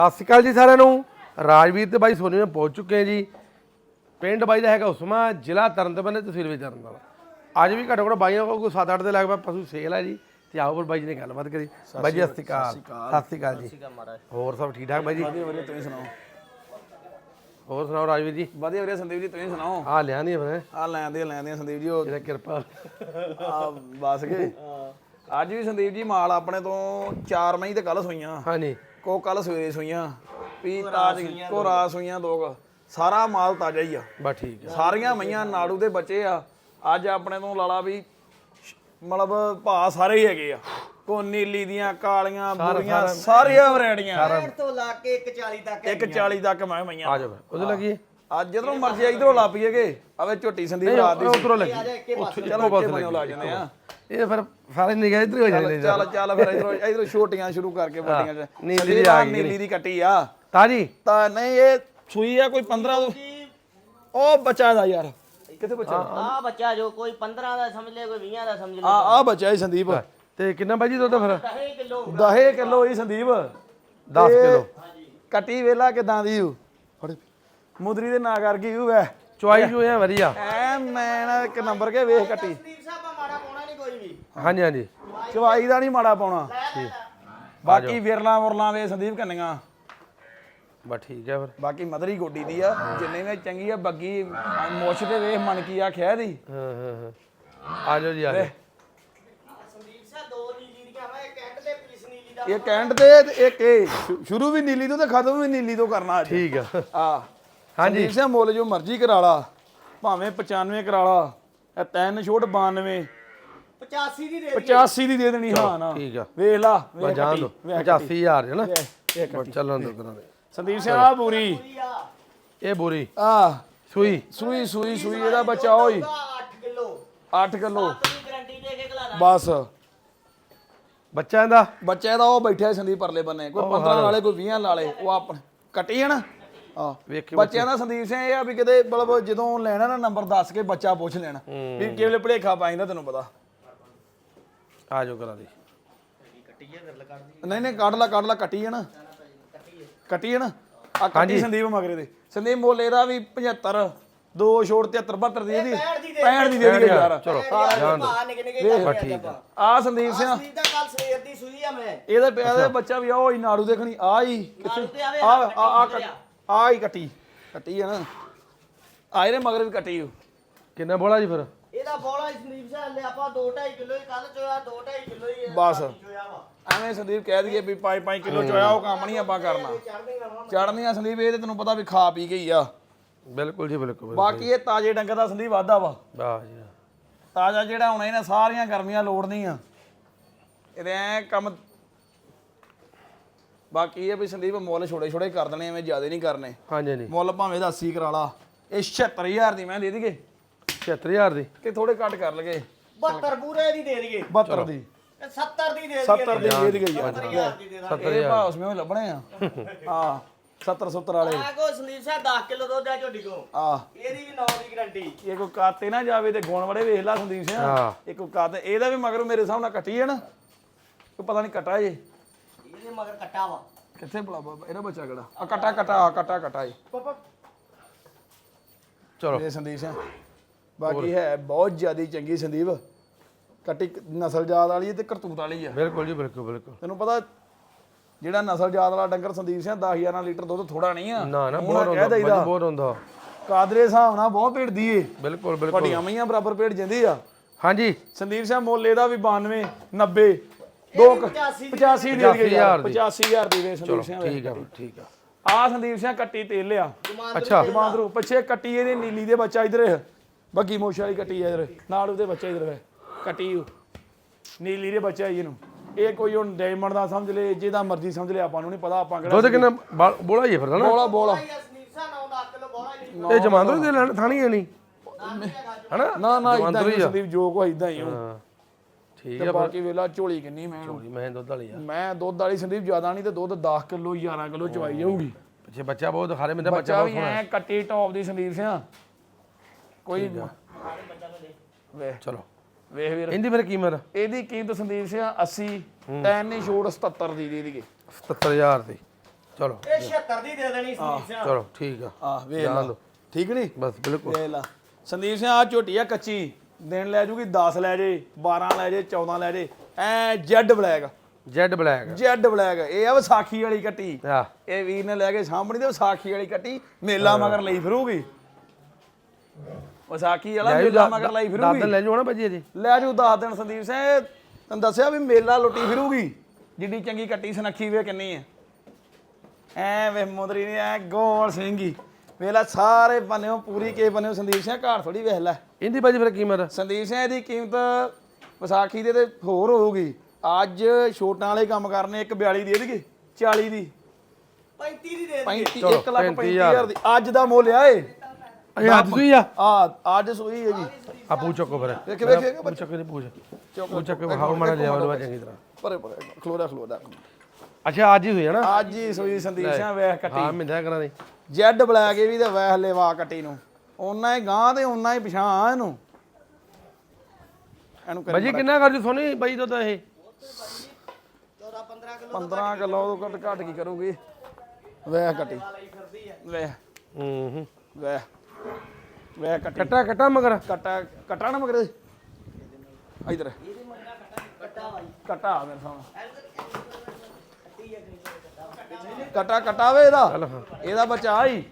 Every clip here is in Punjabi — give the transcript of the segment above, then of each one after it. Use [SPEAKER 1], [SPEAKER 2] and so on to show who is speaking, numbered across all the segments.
[SPEAKER 1] ਸਤਿ ਸ਼੍ਰੀ ਅਕਾਲ ਜੀ ਸਾਰਿਆਂ ਨੂੰ। ਰਾਜਵੀਰ ਤੇ ਬਾਈ ਸੋਨੀ ਨੇ ਪਹੁੰਚ ਚੁੱਕੇ ਆ ਜੀ। ਪਿੰਡ ਬਾਈ ਦਾ ਹੈਗਾ ਉਸਮਾ, ਜ਼ਿਲ੍ਹਾ ਤਰਨਤਾਰਨ, ਤਹਿਸੀਲ ਵਿੱਚ ਤਰਨਤਾਰਨ। ਅੱਜ ਵੀ ਘੱਟੋ ਘੱਟ ਬਾਈਆਂ ਕੋਲ ਕੋਈ 7-8 ਦੇ ਲਗਭਗ ਪਸ਼ੂ ਸੇਲ ਹੈ ਜੀ। ਤੇ ਆਓ ਫਿਰ ਬਾਈ ਜੀ ਨੇ ਗੱਲਬਾਤ ਕਰੀ। ਬਾਈ ਜੀ ਸਤਿ ਸ਼੍ਰੀ ਅਕਾਲ ਜੀ। ਹੋਰ ਸਭ ਠੀਕ ਠਾਕ ਬਾਈ ਜੀ?
[SPEAKER 2] ਵਧੀਆ ਤੁਸੀਂ ਸੁਣਾਓ।
[SPEAKER 1] ਹੋਰ ਸੁਣਾਓ ਰਾਜਵੀਰ ਜੀ?
[SPEAKER 2] ਵਧੀਆ ਵਧੀਆ ਸੰਦੀਪ ਜੀ ਤੁਸੀਂ ਸੁਣਾਓ।
[SPEAKER 1] ਆ ਲਿਆਂਦੀ ਫਿਰ
[SPEAKER 2] ਆ ਲੈਂਦੇ ਸੰਦੀਪ ਜੀ ਉਹ
[SPEAKER 1] ਇਹਦਾ ਕਿਰਪਾ
[SPEAKER 2] ਆ ਬਸ ਕੇ ਅੱਜ ਵੀ ਸੰਦੀਪ ਜੀ ਮਾਲ ਆਪਣੇ ਤੋਂ 4 ਮਈ ਤੇ ਕੱਲ ਸੋਈਆਂ।
[SPEAKER 1] ਹਾਂਜੀ
[SPEAKER 2] ਕੋ ਕੱਲ ਸਵੇਰੇ ਸੋਈਆਂ ਵੀ ਤਾਜ ਕੋ ਰਾਤ ਸੋਈਆਂ ਦੋ। ਸਾਰਾ ਮਾਲ ਤਾਜ਼ਾ ਹੀ ਆ।
[SPEAKER 1] ਬਸ ਠੀਕ ਹੈ।
[SPEAKER 2] ਸਾਰੀਆਂ ਮਈਆਂ ਨਾੜੂ ਦੇ ਬੱਚੇ ਆ। ਅੱਜ ਆਪਣੇ ਤੋਂ ਲਾਲਾ ਵੀ ਮਤਲਬ ਭਾ ਸਾਰੇ ਹੀ ਹੈਗੇ ਆ। ਕੋ ਨੀਲੀ ਦੀਆਂ ਕਾਲੀਆਂ ਬੁਰੀਆਂ ਸਾਰੀਆਂ ਵੈਰਾਈਟੀਆਂ
[SPEAKER 3] ਤੋਂ ਲਾ ਕੇ 140 ਤੱਕ
[SPEAKER 2] 140 ਤੱਕ ਮੈਂ ਮਈਆਂ
[SPEAKER 1] ਆ ਜਾਓ ਉਹਦੇ ਲੱਗੀ
[SPEAKER 2] ਅੱਜ ਜਦੋਂ ਮਰਜ਼ੀ ਇਧਰੋਂ ਲਾ ਪਈਏਗੇ। ਆਵੇ ਝੋਟੀ ਸੰਦੀਪ ਰਾਤ ਦੀ
[SPEAKER 1] ਉਧਰੋਂ ਲੱਗੀ
[SPEAKER 2] ਚਲੋ ਬਸ ਲਾ ਜਾਂਦੇ ਆ।
[SPEAKER 1] ਇਹ ਫਿਰ ਸਾਰੇ ਨਿਗਾਹ ਇੱਧਰ ਹੋ ਜਾਂਦੇ ਨੇ।
[SPEAKER 2] ਚੱਲ ਫਿਰ ਇਧਰੋਂ ਛੋਟੀਆਂ ਸ਼ੁਰੂ ਕਰਕੇ ਵੱਡੀਆਂ ਚ ਨੀਲੀ ਦੀ ਕੱਟੀ ਆ
[SPEAKER 1] ਤਾਜੀ
[SPEAKER 2] ਤਾਂ ਨਹੀਂ ਇਹ ਸੂਈ ਆ ਕੋਈ 15 ਉਹ ਬੱਚਾ ਦਾ ਯਾਰ ਕਿੱਥੇ ਬੱਚਾ
[SPEAKER 3] ਆ ਬੱਚਾ ਜੋ ਕੋਈ 15 ਦਾ ਸਮਝ ਲੈ ਕੋਈ 20 ਦਾ ਸਮਝ ਲੈ।
[SPEAKER 2] ਆ ਬੱਚਾ ਹੀ ਸੰਦੀਪ
[SPEAKER 1] ਤੇ ਕਿੰਨਾ ਬਾਈ ਜੀ ਦੁੱਧ ਫਿਰ?
[SPEAKER 3] 10 ਕਿਲੋ
[SPEAKER 2] 10 ਕਿਲੋ ਹੀ ਸੰਦੀਪ
[SPEAKER 1] 10 ਕਿਲੋ
[SPEAKER 2] ਕੱਟੀ ਵੇਲਾ ਕਿਦਾਂ ਦੀ ਹੂ ਮੁਦਰੀ ਦੇ ਨਾ ਕਰ ਗਈ ਹੂ ਵੈ
[SPEAKER 1] ਚੁਆਈ ਜੋ ਹੈ ਵਧੀਆ
[SPEAKER 2] ਐ ਮੈਂ ਨਾ ਇੱਕ ਨੰਬਰ ਕੇ ਵੇਖ ਕੱਟੀ।
[SPEAKER 3] ਸੰਦੀਪ ਸਾਹਿਬ ਆ ਮਾੜਾ ਪਾਉਣਾ ਨਹੀਂ ਕੋਈ ਵੀ।
[SPEAKER 1] ਹਾਂਜੀ ਹਾਂਜੀ
[SPEAKER 2] ਚਵਾਈ ਦਾ ਨਹੀਂ ਮਾੜਾ ਪਾਉਣਾ। ਬਾਕੀ ਵਿਰਲਾ ਮੁਰਲਾ ਵੇ ਸੰਦੀਪ ਕੰਨੀਆਂ
[SPEAKER 1] ਬਸ ਠੀਕ ਹੈ ਫਿਰ।
[SPEAKER 2] ਬਾਕੀ ਮਦਰੀ ਗੋਡੀ ਦੀ ਆ ਜਿੰਨੇ ਵੀ ਚੰਗੀ ਆ ਬੱਗੀ ਮੁੱਛ ਤੇ ਵੇਖ ਮਨ ਕੀ ਆ ਖਿਆ ਦੀ।
[SPEAKER 1] ਹਾਂ ਆ ਜਾਓ ਜੀ ਆ ਜਾਓ।
[SPEAKER 3] ਸੰਦੀਪ ਸਾਹਿਬ ਦੋ ਨੀਲੀ ਦੀਆਂ ਵਾ ਇੱਕ ਐਂਡ ਤੇ ਪੀਸ ਨੀਲੀ ਦਾ
[SPEAKER 2] ਇਹ ਕੈਂਟ ਤੇ ਇੱਕ ਇਹ ਸ਼ੁਰੂ ਵੀ ਨੀਲੀ ਤੋਂ ਤੇ ਖਤਮ ਵੀ ਨੀਲੀ ਤੋਂ ਕਰਨਾ ਅੱਜ।
[SPEAKER 1] ਠੀਕ ਆ
[SPEAKER 2] ਆ
[SPEAKER 1] ਹਾਂਜੀ
[SPEAKER 2] ਸੰਦੀਪ ਸਿੰਘ ਮੁੱਲ ਜੋ ਮਰਜ਼ੀ ਕਰਾ ਲਾ ਭਾਵੇਂ 95 ਕਰਾ ਲਾ ਇਹ 3 ਛੋਟ 92
[SPEAKER 3] 85 ਦੀ ਦੇ
[SPEAKER 2] 85 ਦੀ ਦੇ ਦੇਣੀ ਹਾਂ ਨਾ
[SPEAKER 1] ਠੀਕ ਆ
[SPEAKER 2] ਵੇਖ ਲਾ
[SPEAKER 1] ਬਸ ਜਾਣ ਦੋ 85000 ਹੈ ਨਾ
[SPEAKER 2] ਇਹ
[SPEAKER 1] ਬਸ ਚੱਲਣ ਦੋ ਕਰਾਂਗੇ।
[SPEAKER 2] ਸੰਦੀਪ ਸਿੰਘ ਆ ਬੂਰੀ
[SPEAKER 1] ਇਹ ਬੋਰੀ
[SPEAKER 2] ਆ
[SPEAKER 1] ਸੂਈ
[SPEAKER 2] ਸੂਈ ਇਹਦਾ ਬੱਚਾ ਹੋਈ
[SPEAKER 3] 8 ਕਿਲੋ
[SPEAKER 2] 8 ਕਿਲੋ
[SPEAKER 3] ਆਪਣੀ ਗਾਰੰਟੀ ਦੇ ਕੇ ਖਲਾ
[SPEAKER 2] ਬਸ
[SPEAKER 1] ਬੱਚਾ ਇਹਦਾ
[SPEAKER 2] ਬੱਚੇ ਦਾ ਉਹ ਬੈਠਿਆ ਸੰਦੀਪ ਪਰਲੇ ਬੰਨੇ ਕੋਈ 15 ਵਾਲੇ ਕੋਈ 20 ਵਾਲੇ ਉਹ ਆਪਣੇ ਕੱਟੀ ਹੈ ਨਾ ਆ
[SPEAKER 1] ਵੇਖੀ
[SPEAKER 2] ਬੱਚਿਆਂ ਦਾ ਸੰਦੀਪ ਸਿੰਘ ਇਹ ਆ ਵੀ ਕਿਤੇ ਮਤਲਬ ਜਦੋਂ ਲੈਣਾ ਨਾ ਨੰਬਰ ਦੱਸ ਕੇ ਬੱਚਾ ਪੁੱਛ ਲੈਣਾ ਵੀ ਕਿਵੇਂ ਭਲੇਖਾ ਪਾਇੰਦਾ ਤੈਨੂੰ ਪਤਾ।
[SPEAKER 1] ਆ ਜਾਓ ਕਰਾਂ ਦੀ
[SPEAKER 2] ਨਹੀਂ ਕੱਢ ਲਾ ਕੱਟੀ ਹੈ ਨਾ ਆ ਕੱਟੀ ਸੰਦੀਪ ਮਗਰੇ ਦੇ ਸੰਦੀਪ ਮੁੱਲ ਇਹਦਾ ਵੀ 75 2 ਛੋੜ 73 72 ਦੀ ਇਹਦੀ 65 ਦੀ ਦੇ ਦੀ ਯਾਰ।
[SPEAKER 1] ਚਲੋ
[SPEAKER 3] ਜਾਨ ਨਿਕ
[SPEAKER 1] ਠੀਕ ਆ।
[SPEAKER 2] ਆ ਸੰਦੀਪ ਸਿੰਘ
[SPEAKER 3] ਸੰਦੀਪ ਦਾ ਕੱਲ ਸਵੇਰ ਦੀ ਸੂਈ ਆ ਮੈਂ
[SPEAKER 2] ਇਹਦਾ ਪਿਆ ਦੇ ਬੱਚਾ ਵੀ ਆ ਉਹ ਹੀ ਨਾੜੂ ਦੇਖਣੀ ਆ ਹੀ ਕਿੱਥੇ ਆ ਹੀ ਕੱਟੀ ਹੈ ਨਾ ਆ ਇਹਦੇ ਮਗਰ ਵੀ ਕੱਟੀ ਹੋ।
[SPEAKER 1] ਕਿੰਨਾ ਬੋਲਾ ਜੀ ਫਿਰ?
[SPEAKER 3] ਇਹਦਾ ਬੋਲਾ ਸੰਦੀਪ ਸਾਹਿਬ ਲੈ ਆਪਾਂ 2.5 ਕਿਲੋ ਹੀ ਕੱਲ ਚੋਇਆ 2.5 ਕਿਲੋ ਹੀ
[SPEAKER 2] ਬਸ
[SPEAKER 3] ਚੋਇਆ ਵਾ
[SPEAKER 2] ਐਵੇਂ ਸੰਦੀਪ ਕਹਿ ਦਈਏ ਵੀ 5 ਕਿਲੋ ਚੋਇਆ ਉਹ ਕੰਮ ਨਹੀਂ ਆਪਾਂ ਕਰਨਾ।
[SPEAKER 3] ਚੜ੍ਹਦੀ ਰਵਾਂ
[SPEAKER 2] ਚੜਨੀਆਂ ਸੰਦੀਪ ਇਹ ਤੇ ਤੈਨੂੰ ਪਤਾ ਵੀ ਖਾ ਪੀ ਗਈ ਆ।
[SPEAKER 1] ਬਿਲਕੁਲ ਜੀ ਬਿਲਕੁਲ।
[SPEAKER 2] ਬਾਕੀ ਇਹ ਤਾਜੇ ਡੰਗਰ ਦਾ ਸੰਦੀਪ ਵਾਧਾ ਵਾ।
[SPEAKER 1] ਵਾਹ ਜੀ
[SPEAKER 2] ਤਾਜ਼ਾ ਜਿਹੜਾ ਹੋਣਾ ਇਹਨੇ ਸਾਰੀਆਂ ਗਰਮੀਆਂ ਲੋੜਨੀਆਂ ਇਹਦੇ ਐ ਕੰਮ। ਬਾਕੀ ਇਹ ਵੀ ਸੰਦੀਪ ਮੁੱਲ ਛੋੜੇ ਕਰ ਦੇਣੇ ਐਵੇਂ ਜ਼ਿਆਦਾ ਨਹੀਂ ਕਰਨੇ।
[SPEAKER 1] ਹਾਂਜੀ ਹਾਂਜੀ
[SPEAKER 2] ਮੁੱਲ ਭਾਵੇਂ ਦਾ 80 ਕਰਾ ਲਾ ਇਹ 76000 ਦੀ ਮੈਂ ਦੇ ਦਈਏ
[SPEAKER 1] 76000 ਦੀ
[SPEAKER 2] ਕਿ ਥੋੜੇ ਘੱਟ ਕਰ ਲਗੇ
[SPEAKER 3] 72 ਪੂਰੇ ਦੀ ਦੇ ਦਈਏ
[SPEAKER 2] 72 ਦੀ
[SPEAKER 3] 70 ਦੀ ਦੇ ਦਈਏ
[SPEAKER 2] 70 ਦੀ ਦੇ ਦਈਏ ਯਾਰ।
[SPEAKER 3] 70,000 ਦੀ ਦੇ ਦਾਂਗੇ।
[SPEAKER 2] ਇਹ ਭਾਅ ਉਸਮੇ ਹੀ ਲੱਭਣੇ ਆ ਹਾਂ 70 ਵਾਲੇ
[SPEAKER 3] ਆ ਕੋ ਸੰਦੀਪ ਸਾਹਿਬ 10 ਕਿਲੋ ਦੁੱਧ ਆ ਝੋਟੀ ਕੋ
[SPEAKER 2] ਆ
[SPEAKER 3] ਇਹਦੀ ਵੀ 9 ਦੀ ਗਾਰੰਟੀ।
[SPEAKER 2] ਇਹ ਕੋਈ ਕਾਤੇ ਨਾ ਜਾਵੇ ਤੇ ਗੁਣ ਬੜੇ ਵੇਖ ਲਾ ਸੰਦੀਪ ਸਿੰਘ।
[SPEAKER 1] ਹਾਂ
[SPEAKER 2] ਇਹ ਕੋਈ ਕਾਤੇ ਇਹਦਾ ਵੀ ਮਗਰ ਮੇਰੇ ਹਿਸਾਬ ਨਾਲ ਕੱਟੀ ਹੈ ਨਾ ਕੋਈ ਪਤਾ ਨਹੀਂ ਕੱਟਾ ਜੇ
[SPEAKER 3] ਇਹਦੇ ਮਗਰ ਕੱਟਾ ਵਾ
[SPEAKER 2] ਕਿੱਥੇ ਭਲਾ ਬਾਬਾ ਇਹਦਾ ਬੱਚਾ ਕਿਹੜਾ ਆ ਕੱਟਾ ਏ
[SPEAKER 3] ਪਾਪਾ
[SPEAKER 1] ਚਲੋ
[SPEAKER 2] ਇਹ ਸੰਦੀਪ ਸਿੰਘ ਬਾਕੀ ਹੈ ਬਹੁਤ ਜ਼ਿਆਦੀ ਚੰਗੀ ਸੰਦੀਪ ਕੱਟੀ ਨਸਲ ਜਾਤ ਵਾਲੀ ਹੈ ਤੇ ਕਰਤੂਤ ਵਾਲੀ ਆ।
[SPEAKER 1] ਬਿਲਕੁਲ ਜੀ ਬਿਲਕੁਲ
[SPEAKER 2] ਤੈਨੂੰ ਪਤਾ ਜਿਹੜਾ ਨਸਲ ਜਾਤ ਵਾਲਾ ਡੰਗਰ ਸੰਦੀਪ ਸਿੰਘ 10,000 ਲੀਟਰ ਦੁੱਧ ਥੋੜਾ ਨਹੀਂ ਆ।
[SPEAKER 1] ਨਾ ਬਹੁਤ ਹੁੰਦਾ ਬਹੁਤ ਹੁੰਦਾ
[SPEAKER 2] ਕਾਦਰੇ ਹਿਸਾਬ ਨਾਲ ਬਹੁਤ ਭੇੜਦੀ ਏ।
[SPEAKER 1] ਬਿਲਕੁਲ ਬਿਲਕੁਲ
[SPEAKER 2] ਵੱਡੀਆਂ ਮਈਆਂ ਬਰਾਬਰ ਭੇੜ ਜਾਂਦੀ ਆ।
[SPEAKER 1] ਹਾਂਜੀ
[SPEAKER 2] ਸੰਦੀਪ ਸਿੰਘ ਮੁੱਲ ਇਹਦਾ ਵੀ 92 90 85 ਦੇ ਦਈਏ ਯਾਰ 85000 ਦੀ ਵੇ ਸੰਦੀਪ ਸਿੰਘ।
[SPEAKER 1] ਠੀਕ ਆ
[SPEAKER 2] ਆ ਸੰਦੀਪ ਸਿੰਘ ਕੱਟੀ ਤੇਲ ਲਿਆ
[SPEAKER 1] ਅੱਛਾ
[SPEAKER 2] ਜਮਾਂਦਰੂ ਪਿੱਛੇ ਕੱਟੀ ਇਹਦੀ ਨੀਲੀ ਦੇ ਬੱਚਾ ਇਧਰ ਬੱਗੀ ਮੋਸ਼ ਵਾਲੀ ਕੱਟੀ ਇਧਰ ਨਾਲ ਉਹਦੇ ਬੱਚਾ ਇਧਰ ਵੇ ਕੱਟੀ ਨੀਲੀ ਦੇ ਬੱਚਾ ਇਹਨੂੰ ਇਹ ਕੋਈ ਹੁਣ ਡਾਇਮੰਡ ਦਾ ਸਮਝ ਲੈ ਜਿਹਦਾ ਮਰਜ਼ੀ ਸਮਝ ਲੈ ਆਪਾਂ ਨੂੰ ਨਹੀਂ ਪਤਾ ਆਪਾਂ ਕਿਹੜਾ
[SPEAKER 1] ਦੁੱਧ ਕਿੰਨਾ ਬੋਲਾ ਹੀ ਫਿਰਦਾ ਨਾ
[SPEAKER 2] ਬੋਲਾ
[SPEAKER 3] ਸੰਦੀਪ ਸਾਹਿਬ 9 ਕਿਲੋ ਬੋਲਾ ਹੀ
[SPEAKER 1] ਇਹ ਜਮਾਂਦਰੂ ਦੇ ਲੈਣ ਥਾਣੀ ਹੈ ਨਹੀਂ ਹਨਾ
[SPEAKER 2] ਨਾ ਇਦਾਂ ਹੀ ਸੰਦੀਪ ਜੋ ਕੋ ਇਦਾਂ ਹੀ ਹੁਣ
[SPEAKER 1] ਹਾਂ ਠੀਕ
[SPEAKER 2] ਤੇ
[SPEAKER 1] ਆ।
[SPEAKER 2] ਬਾਕੀ ਵੇਲਾ ਝੋਲੀ ਕਿੰਨੀ
[SPEAKER 1] ਮੈਂ ਦੁੱਧ ਵਾਲੀ ਆ
[SPEAKER 2] ਮੈਂ ਦੁੱਧ ਵਾਲੀ ਸੰਦੀਪ ਜ਼ਿਆਦਾ ਨਹੀਂ ਤੇ ਦੁੱਧ 10 ਕਿਲੋ 11 ਕਿਲੋ ਚਵਾਈ ਜਾਊਗੀ।
[SPEAKER 1] ਪਿੱਛੇ ਬੱਚਾ ਬਹੁਤ ਖਾਰੇ ਮਿੰਦਾ
[SPEAKER 2] ਬੱਚਾ ਵੀ ਐ ਕੱਟੀ ਟੌਪ ਦੀ ਸੰਦੀਪ ਸਿੰਘ ਕੋਈ ਵੇ
[SPEAKER 1] ਚਲੋ
[SPEAKER 2] ਵੇਖ ਵੀਰ
[SPEAKER 1] ਇਹਦੀ ਫਿਰ ਕੀਮਤ
[SPEAKER 2] ਇਹਦੀ ਕੀਮਤ ਸੰਦੀਪ ਸਿੰਘ 80 3 ਨਹੀਂ ਛੋੜ 77 ਦੀ ਦੇ ਦੇਈਏ
[SPEAKER 1] 77000 ਦੀ। ਚਲੋ
[SPEAKER 3] ਇਹ 76 ਦੀ ਦੇ ਦੇਣੀ ਸੰਦੀਪ ਸਿੰਘ
[SPEAKER 1] ਚਲੋ ਠੀਕ ਆ
[SPEAKER 2] ਆ ਵੇਖ
[SPEAKER 1] ਜਾਣ
[SPEAKER 2] ਲਾ
[SPEAKER 1] ਦਿਓ।
[SPEAKER 2] ਠੀਕ ਨਹੀਂ
[SPEAKER 1] ਬਸ ਬਿਲਕੁਲ
[SPEAKER 2] ਵੇਖ ਲਾ ਸੰਦੀਪ ਸਿੰਘ ਆ ਝੋਟੀ ਆ ਕੱਚੀ ਦਿਨ ਲੈ ਜੂਗੀ 10 ਲੈ ਜੇ 12 ਲੈ ਜੇ 14 ਲੈ ਜੇ ਐ jet black
[SPEAKER 1] jet black
[SPEAKER 2] jet black ਇਹ ਆ ਵਿਸਾਖੀ ਵਾਲੀ ਕੱਟੀ
[SPEAKER 1] ਆ
[SPEAKER 2] ਇਹ ਵੀਰ ਨੇ ਲੈ ਕੇ ਸਾਹਮਣੇ ਤੇ ਵਿਸਾਖੀ ਵਾਲੀ ਕੱਟੀ ਮੇਲਾ ਮਗਰ ਲਈ ਫਿਰੂਗੀ ਵਿਸਾਖੀ ਵਾਲਾ ਮੇਲਾ ਮਗਰ ਲਈ ਫਿਰੂਗੀ
[SPEAKER 1] ਦਾਦਨ ਲੈ ਜਾਓ ਨਾ ਭਾਜੀ ਜੀ
[SPEAKER 2] ਲੈ ਜੂ 10 ਦਿਨ ਸੰਦੀਪ ਸਿੰਘ ਤੈਨੂੰ ਦੱਸਿਆ ਵੀ ਮੇਲਾ ਲੁੱਟੀ ਫਿਰੂਗੀ ਜਿੱਡੀ ਚੰਗੀ ਕੱਟੀ ਸੁਨੱਖੀ ਵੇ ਕਿੰਨੀ ਐ ਐ ਵੇ ਮੁੰਦਰੀ ਨੇ ਐ ਗੋਲ ਸਿੰਘੀ ਵੇਲਾ ਸਾਰੇ ਬੰਨਿਓ ਪੂਰੀ ਕੇ ਬੰਨਿਓ ਸੰਦੀਪ ਸਿੰਘ ਘਾਟ ਥੋੜੀ ਵੇਖ ਲੈ
[SPEAKER 1] ਇਹਦੀ ਭਾਜੀ ਫਿਰ ਕੀਮਤ
[SPEAKER 2] ਸੰਦੀਪ ਸਿੰਘ ਦੀ ਕੀਮਤ ਵਿਸਾਖੀ ਦੇ ਤੇ ਹੋਰ ਹੋਊਗੀ ਅੱਜ ਛੋਟਾਂ ਵਾਲੇ ਕੰਮ ਕਰਨੇ 142 ਦੇ ਦੇਗੇ 40 ਦੀ
[SPEAKER 3] 35 ਦੀ ਦੇ
[SPEAKER 2] 35
[SPEAKER 1] ਚਲੋ,
[SPEAKER 2] 1,35,000 ਦੀ ਅੱਜ ਦਾ ਮੁੱਲ ਆ ਏ
[SPEAKER 1] ਇਹ ਹੱਥ ਸੂਈ ਆ
[SPEAKER 2] ਅੱਜ ਸੂਈ ਹੈ ਜੀ
[SPEAKER 1] ਆ ਪੂਛ ਚੱਕੋ ਫਿਰ
[SPEAKER 2] ਵੇਖ ਵੇਖ
[SPEAKER 1] ਪੂਛ ਚੱਕੋ ਨਹੀਂ ਪੂਛ ਪੂਛ ਚੱਕੋ ਵਿਖਾਓ ਮਾੜਾ ਜਿਹਾ ਵਾਲਾ ਚੰਗੀ ਤਰ੍ਹਾਂ
[SPEAKER 2] ਪਰੇ ਪਰੇ ਖਲੋਦਾ
[SPEAKER 1] ਅੱਛਾ ਅੱਜ ਹੀ ਹੋਈ ਹੈ ਨਾ
[SPEAKER 2] ਅੱਜ ਹੀ ਸੂਈ ਸੰਦੀਪ ਸਿੰਘ ਵੇਖ ਕੱਟੀ
[SPEAKER 1] ਹਾਂ ਮਿੰਦਾ ਕਰਾਂ ਦੀ
[SPEAKER 2] ਜੈਡ ਬਲੈਕ ਇਹ ਵੀ ਤੇ ਵੇਖ ਲੈਵਾ ਕੱਟੀ ਨੂੰ ਉਹਨਾਂ ਹੀ ਗਾਂ ਤੇ ਉਹਨਾਂ ਹੀ ਪਛਾਣ ਇਹਨੂੰ
[SPEAKER 1] ਭਾਜੀ ਕਿੰਨਾ ਕਰ ਜੂ ਸੋਨੀ ਬਾਈ ਦੁੱਧ ਇਹ
[SPEAKER 3] 14 15 ਕਿਲੋ
[SPEAKER 2] 15 ਕਿਲੋ ਤੋਂ ਘੱਟ ਕੀ ਕਰੂਗੀ ਵੇਖ ਕੱਟੀ ਵੇਖ
[SPEAKER 1] ਹੂੰ
[SPEAKER 2] ਵੇਖ ਕੱਟੀ
[SPEAKER 1] ਕੱਟਾ ਮਗਰ
[SPEAKER 2] ਕੱਟਾ ਨਾ ਮਗਰ ਇਧਰ ਕੱਟਾ ਮੇਰੇ ਸਾਹਮਣੇ ਕੱਟਾ ਵੇ ਇਹਦਾ
[SPEAKER 1] ਚੱਲ ਹਾਂ
[SPEAKER 2] ਇਹਦਾ ਬੱਚਾ ਹੀ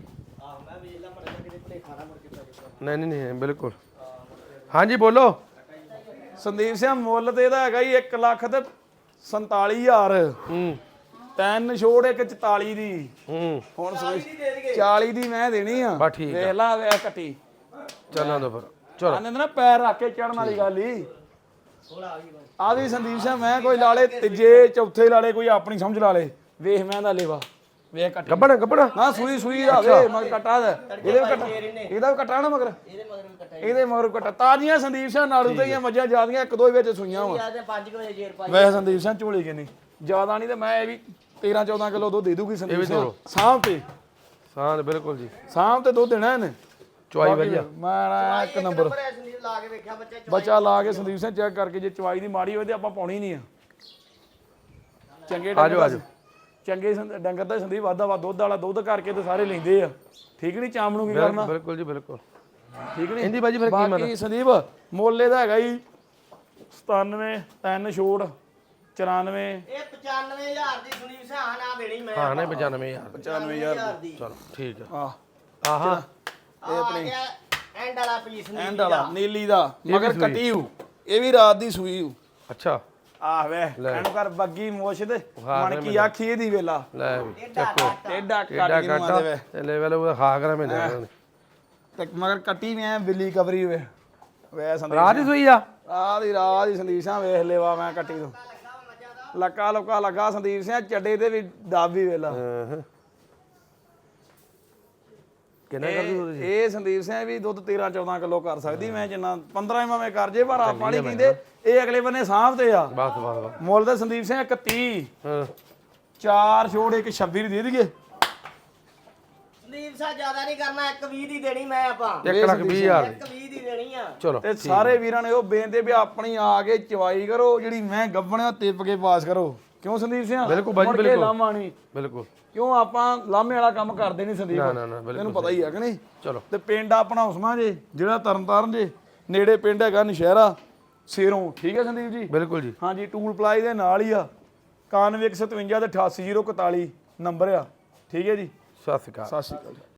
[SPEAKER 1] ਨਹੀਂ ਬਿਲਕੁਲ ਹਾਂਜੀ ਬੋਲੋ
[SPEAKER 2] ਸੰਦੀਪ ਸਿੰਘ ਮੁੱਲ ਤੇ ਇਹਦਾ ਹੈਗਾ ਹੀ 1,47,000
[SPEAKER 1] ਹੂੰ
[SPEAKER 2] ਤਿੰਨ ਛੋੜ ਇੱਕ 44 ਦੀ
[SPEAKER 1] ਹੂੰ
[SPEAKER 2] ਹੁਣ 40 ਦੀ ਮੈਂ ਦੇਣੀ ਆ
[SPEAKER 1] ਬਸ ਠੀਕ
[SPEAKER 2] ਵੇਖ ਲਾ ਵੇ ਕੱਟੀ
[SPEAKER 1] ਚੱਲਾਂ ਦੋ ਫਿਰ ਚਲੋ
[SPEAKER 2] ਆਨੇ ਨਾ ਪੈਰ ਰੱਖ ਕੇ ਚੜਨ ਵਾਲੀ ਗੱਲ ਹੀ ਆ ਵੀ ਸੰਦੀਪ ਸਿੰਘ ਮੈਂ ਕੋਈ ਲਾਲੇ ਤੀਜੇ ਚੌਥੇ ਲਾਲੇ ਕੋਈ ਆਪਣੀ ਸਮਝ ਲਾ ਲੇ ਵੇਖ ਮੈਂ ਦਾ ਲੇਵਾ ਵੇਖ ਕੱਟੀ
[SPEAKER 1] ਗੱਬਣਾ
[SPEAKER 2] ਨਾ ਸੂਈ ਦਾ ਵੇ ਮਗਰ ਕੱਟਾ ਦਾ ਇਹਦੇ ਵੀ ਕੱਟਾ ਇਹਦਾ ਵੀ ਕੱਟਾ ਨਾ ਮਗਰ
[SPEAKER 3] ਇਹਦੇ ਮਗਰ ਵੀ ਕੱਟਾ
[SPEAKER 2] ਇਹਦੇ ਮਗਰ ਕੱਟਾ ਤਾਜ਼ੀਆਂ ਸੰਦੀਪ ਸਿੰਘ ਨਾਲੂ ਤੇ ਹੀ ਮੱਝਾਂ ਜਿਆਦੀਆਂ ਇੱਕ ਦੋ ਹੀ ਵਿੱਚ ਸੂਈਆਂ ਵਾ
[SPEAKER 3] ਯਾਰ 5 ਵਜੇ ਜੇਰ ਪਾਈ
[SPEAKER 2] ਵੈਸੇ ਸੰਦੀਪ ਸਿੰਘ ਝੋਲੀ ਕਿੰਨੀ ਜ਼ਿਆਦਾ ਨਹੀਂ ਤੇ ਮੈਂ ਇਹ ਵੀ 13-14 ਕਿਲੋ ਦੁੱਧ ਦੇ ਦੂਗੀ ਸੰਦੀਪ ਸਿੰਘ ਸਾਂਭ ਤੇ
[SPEAKER 1] ਹਾਂ ਬਿਲਕੁਲ ਜੀ
[SPEAKER 2] ਸਾਂਭ ਤੇ ਦੁੱਧ ਦੇਣਾ ਇਹਨੇ
[SPEAKER 1] ਚੁਆਈ ਵਧੀਆ
[SPEAKER 2] ਮੈਂ ਇੱਕ ਨੰਬਰ
[SPEAKER 3] ਸੰਦੀਪ ਲਾ ਕੇ ਵੇਖਿਆ ਬੱਚਾ
[SPEAKER 2] ਬੱਚਾ ਲਾ ਕੇ ਸੰਦੀਪ ਸਿੰਘ ਚੈੱਕ ਕਰਕੇ ਜੇ ਚਵਾਈ ਦੀ ਮਾੜੀ ਹੋਵੇ ਤੇ ਆਪਾਂ ਪਾਉਣੀ ਨਹੀਂ ਆ ਚੰਗੇ
[SPEAKER 1] ਆਜੋ
[SPEAKER 2] ਚੰਗੇ ਡੰਗਰ ਦਾ ਸੰਦੀਪ ਵਾਧਾ ਦੁੱਧ ਵਾਲਾ ਦੁੱਧ ਕਰਕੇ ਤੇ ਸਾਰੇ ਲੈਂਦੇ ਆ ਠੀਕ ਨਹੀਂ ਚਾਮ ਨੂੰ ਕੀ ਕਰਨਾ
[SPEAKER 1] ਬਿਲਕੁਲ ਜੀ ਬਿਲਕੁਲ
[SPEAKER 2] ਠੀਕ ਨਹੀਂ
[SPEAKER 1] ਇਹਦੀ ਬਾਜੀ ਫਿਰ ਕੀਮਤ
[SPEAKER 2] ਬਾਕੀ ਸੰਦੀਪ ਮੁੱਲ ਇਹਦਾ ਹੈਗਾ ਜੀ 97 3 ਛੋੜ 94
[SPEAKER 3] ਇਹ 95000 ਦੀ ਸੰਦੀਪ ਸਿੰਘ ਨਾ ਦੇਣੀ ਮੈਂ
[SPEAKER 1] ਹਾਂ ਨਹੀਂ 95000
[SPEAKER 2] 95000
[SPEAKER 3] ਦੀ
[SPEAKER 1] ਚਲੋ ਠੀਕ ਆ
[SPEAKER 2] ਆਹ
[SPEAKER 1] ਆਹਾਂ
[SPEAKER 3] ਇਹ ਆਪਣੀ ਐਂਡ ਵਾਲਾ ਪੀਸ ਨਹੀਂ
[SPEAKER 2] ਐਂਡ ਵਾਲਾ ਨੀਲੀ ਦਾ ਮਗਰ ਕੱਟੀ ਹੂ ਇਹ ਵੀ ਰਾਤ ਦੀ ਸੂਈ ਹੂ
[SPEAKER 1] ਅੱਛਾ
[SPEAKER 2] ਆਹ ਵੇ ਇਹਨੂੰ ਕਰ ਬੱਗੀ ਮੋਛ ਤੇ ਮਣ ਕੀ ਆਖੀ ਇਹਦੀ ਵੇਲਾ
[SPEAKER 1] ਲੈ ਵੀ
[SPEAKER 3] ਚੱਕੋ
[SPEAKER 2] ਟੇਡਾ ਕੱਟ ਕੇ ਮਾਦੇ ਵੇ
[SPEAKER 1] ਤੇ ਲੈਵਲ ਉਹ ਖਾ ਕਰਾਂ ਮੈਂ
[SPEAKER 2] ਤੇ ਮਗਰ ਕੱਟੀ ਵੀ ਐ ਬਿੱਲੀ ਕਵਰੀ ਵੇ ਵੇ ਸੰਦੀਪ
[SPEAKER 1] ਰਾਤ ਹੀ ਸੋਈ ਆ
[SPEAKER 2] ਰਾਤ ਦੀ ਸੰਦੀਪਾਂ ਵੇਖ ਲੈਵਾ ਮੈਂ ਕੱਟੀ ਤੋਂ ਲੱਕਾ ਲੱਗਾ ਸੰਦੀਪ ਸਿੰਘ ਚੱਡੇ ਤੇ ਵੀ ਦਾਬੀ ਵੇਲਾ
[SPEAKER 1] ਕਿੰਨਾ ਕਰ ਦੂ
[SPEAKER 2] ਇਹ ਸੰਦੀਪ ਸਿੰਘ ਵੀ ਦੁੱਧ 13-14 ਕਿਲੋ ਕਰ ਸਕਦੀ ਮੈਂ ਜਿੰਨਾ 15 ਮੈਂ ਕਰ ਜੇ ਪਰ ਆਪਾਂ ਨਹੀਂ ਕਹਿੰਦੇ ਇਹ ਅਗਲੇ ਬੰਨੇ ਸਾਂਭ ਤੇ ਆ
[SPEAKER 1] ਬਸ
[SPEAKER 2] ਮੁੱਲ ਤੇ ਸੰਦੀਪ ਸਿੰਘ 31
[SPEAKER 1] ਹਾਂ
[SPEAKER 2] 4 ਛੋੜ ਇੱਕ 26 ਦੀ ਦੇ ਦਈਏ
[SPEAKER 3] ਸੰਦੀਪ ਸਾਹਿਬ ਜ਼ਿਆਦਾ ਨਹੀਂ ਕਰਨਾ 120 ਦੀ ਦੇਣੀ ਮੈਂ ਆਪਾਂ
[SPEAKER 1] 1,20,000
[SPEAKER 3] 120 ਦੀ ਦੇਣੀ ਆ
[SPEAKER 1] ਚਲੋ
[SPEAKER 2] ਤੇ ਸਾਰੇ ਵੀਰਾਂ ਨੇ ਉਹ ਬੇਨਤੀ ਵੀ ਆਪਣੀ ਆ ਕੇ ਚਵਾਈ ਕਰੋ ਜਿਹੜੀ ਮੈਂ ਗੱਬਣਿਆ ਤਿੱਪ ਕੇ ਪਾਸ ਕਰੋ ਕਿਉਂ ਸੰਦੀਪ ਸਿੰਘ
[SPEAKER 1] ਬਿਲਕੁਲ ਬਾਜੀ,
[SPEAKER 2] ਮੁੜ ਕੇ
[SPEAKER 1] ਬਿਲਕੁਲ।
[SPEAKER 2] ਲਾਮਾ ਨਹੀਂ
[SPEAKER 1] ਬਿਲਕੁਲ
[SPEAKER 2] ਕਿਉਂ ਆਪਾਂ ਲਾਮੇ ਵਾਲਾ ਕੰਮ ਕਰਦੇ ਨਹੀਂ ਸੰਦੀਪ
[SPEAKER 1] ਨਾ ਬਿਲਕੁਲ
[SPEAKER 2] ਤੈਨੂੰ ਪਤਾ ਹੀ ਹੈ ਕਿ ਨਹੀਂ
[SPEAKER 1] ਚਲੋ
[SPEAKER 2] ਤੇ ਪਿੰਡ ਆਪਣਾ ਉਸਮਾ ਜੇ ਜਿਹੜਾ ਤਰਨਤਾਰਨ ਜੇ ਨੇੜੇ ਪਿੰਡ ਹੈਗਾ ਨਸ਼ਹਿਰਾ ਸੇਰੋਂ ਠੀਕ ਹੈ ਸੰਦੀਪ ਜੀ
[SPEAKER 1] ਬਿਲਕੁਲ ਜੀ
[SPEAKER 2] ਹਾਂਜੀ ਟੂਲ ਪਲਾਈ ਦੇ ਨਾਲ ਹੀ ਆ 9157 ਤੇ 88041 ਨੰਬਰ ਆ ਠੀਕ ਹੈ ਜੀ
[SPEAKER 1] ਸਤਿ ਸ਼੍ਰੀ ਅਕਾਲ
[SPEAKER 2] ਸਤਿ ਸ਼੍ਰੀ ਅਕਾਲ